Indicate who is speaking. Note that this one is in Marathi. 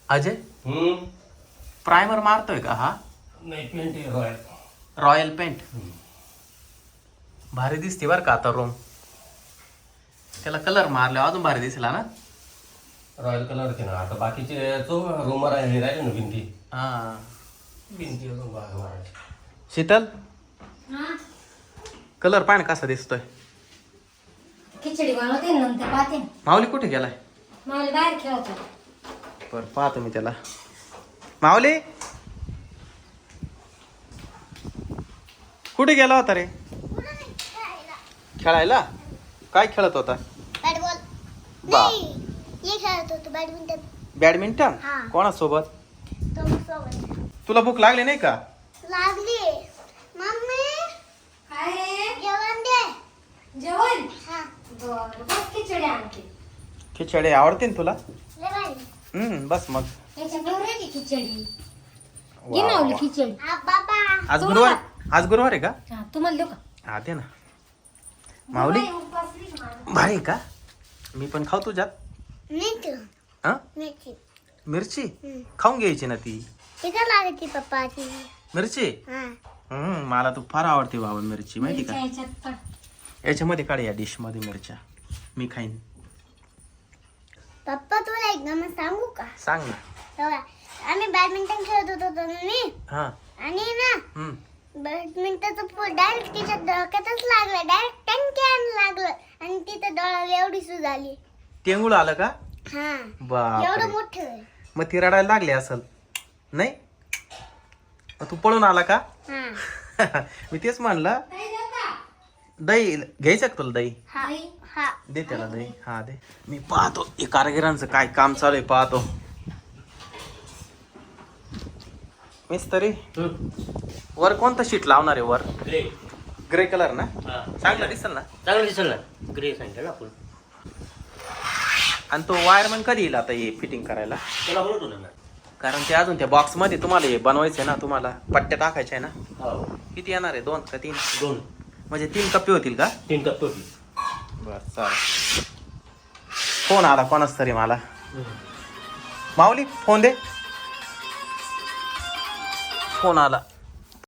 Speaker 1: अजय प्रायमर मारतोय का हा?
Speaker 2: नाही, पेंट आहे रॉयल.
Speaker 1: Royal paint. भारी दिसते बरं का आता रूम. त्याला कलर मारल्यावर अजून भारी दिसला ना.
Speaker 2: रॉयल कलरचे ना. आता बाकीचे जो रूमर आहे राहिले ना भिंती.
Speaker 1: हा
Speaker 2: भिंती अजून मारायचे.
Speaker 1: शीतल कलर पाय ना कसा दिसतोय.
Speaker 3: खिचडी बनवते नंतर पाहते.
Speaker 1: माऊली कुठे गेलाय?
Speaker 3: मला बाहेर खेळतो.
Speaker 1: बर पाहतो मी त्याला. माऊली कुठे गेला होता रे? खेळायला. काय खेळत होता?
Speaker 4: बॅटबॉल
Speaker 1: बा
Speaker 4: हे खेळत होतो बॅडमिंटन.
Speaker 1: बॅडमिंटन.
Speaker 4: हा.
Speaker 1: कोणासोबत?
Speaker 4: सोबत
Speaker 1: तुला भूक लागली नाही का?
Speaker 4: लागली. मम्मी
Speaker 3: काय रे?
Speaker 4: जेवण दे.
Speaker 3: जेवण?
Speaker 4: हा
Speaker 3: बरं बस खिचडी आणते.
Speaker 1: खिचडी आवडते ना तुला?
Speaker 4: लय भारी.
Speaker 1: बस मग.
Speaker 3: त्याच्या फेवरेट आहे खिचडी.
Speaker 1: वा,
Speaker 3: घे माऊली
Speaker 1: वा.
Speaker 3: खिचडी.
Speaker 4: हा बाबा.
Speaker 1: आज गुरुवार. आज गुरुवार आहे का?
Speaker 3: हा, तुम्हाला देऊ का?
Speaker 1: हा दे ना. माऊली
Speaker 3: बाई, उपवास नाही का माझा?
Speaker 1: भारी आहे का? मी पण खाऊ तुझ्यात.
Speaker 4: मीठ
Speaker 1: हा
Speaker 4: मिरची.
Speaker 1: मिरची खाऊन घ्यायची ना ती.
Speaker 4: तिथं लागते पप्पाची.
Speaker 1: मिरची
Speaker 4: हा
Speaker 1: मला तू फार आवडते बाबा मिरची माहिती का?
Speaker 3: मिरच्या ह्याच्यात पण.
Speaker 1: याच्यामध्ये काढ या डिश मध्ये मिरच्या. मी खाईन.
Speaker 4: पप्पा तुला एक गमत सांगू का?
Speaker 1: सांग ना.
Speaker 4: तेव्हा आम्ही बॅडमिंटन खेळत होतो तर मी
Speaker 1: हा
Speaker 4: आणि ना बॅडमिंटनचं फुल डायरेक्ट तिच्या डोक्यातच लागलं. डायरेक्ट टंक्यान लागलं आणि तिथं डोळ्याला एवढी सूज आली.
Speaker 1: टेंगुळ आलं का?
Speaker 4: हा एवढं
Speaker 1: बाप
Speaker 4: मोठं.
Speaker 1: मग ती रडायला लागली असल नाही? मग तू पळून आला का?
Speaker 4: हा
Speaker 1: मी तेच म्हणलं.
Speaker 3: काय देऊ का?
Speaker 1: दही घ्यायचं का तुला दही?
Speaker 4: हा हा
Speaker 1: दे त्याला दही. हा दे. मी पाहतो हे कारागिरांचं काय काम चालू आहे पाहतो. मिस्त्री वर कोणतं शीट लावणार आहे वर?
Speaker 2: ग्रे.
Speaker 1: ग्रे कलर ना?
Speaker 2: हा.
Speaker 1: चांगलं दिसेल ना?
Speaker 2: चांगलं दिसेल ना. ग्रे सांगितलं आपण.
Speaker 1: आणि तो वायरमन कधी येईल आता हे फिटिंग करायला?
Speaker 2: त्याला बोलतो ना.
Speaker 1: कारण ते अजून त्या बॉक्स मध्ये तुम्हाला हे बनवायचं आहे ना. तुम्हाला पट्ट्या टाकायच्या आहे ना.
Speaker 2: हो.
Speaker 1: किती येणार आहे? 2 का 3?
Speaker 2: 2
Speaker 1: म्हणजे 3 कप्पे होतील का?
Speaker 2: 3 कप होती.
Speaker 1: बर चालेल. फोन आला कोणाच तरी मला. माऊली फोन दे. फोन आला.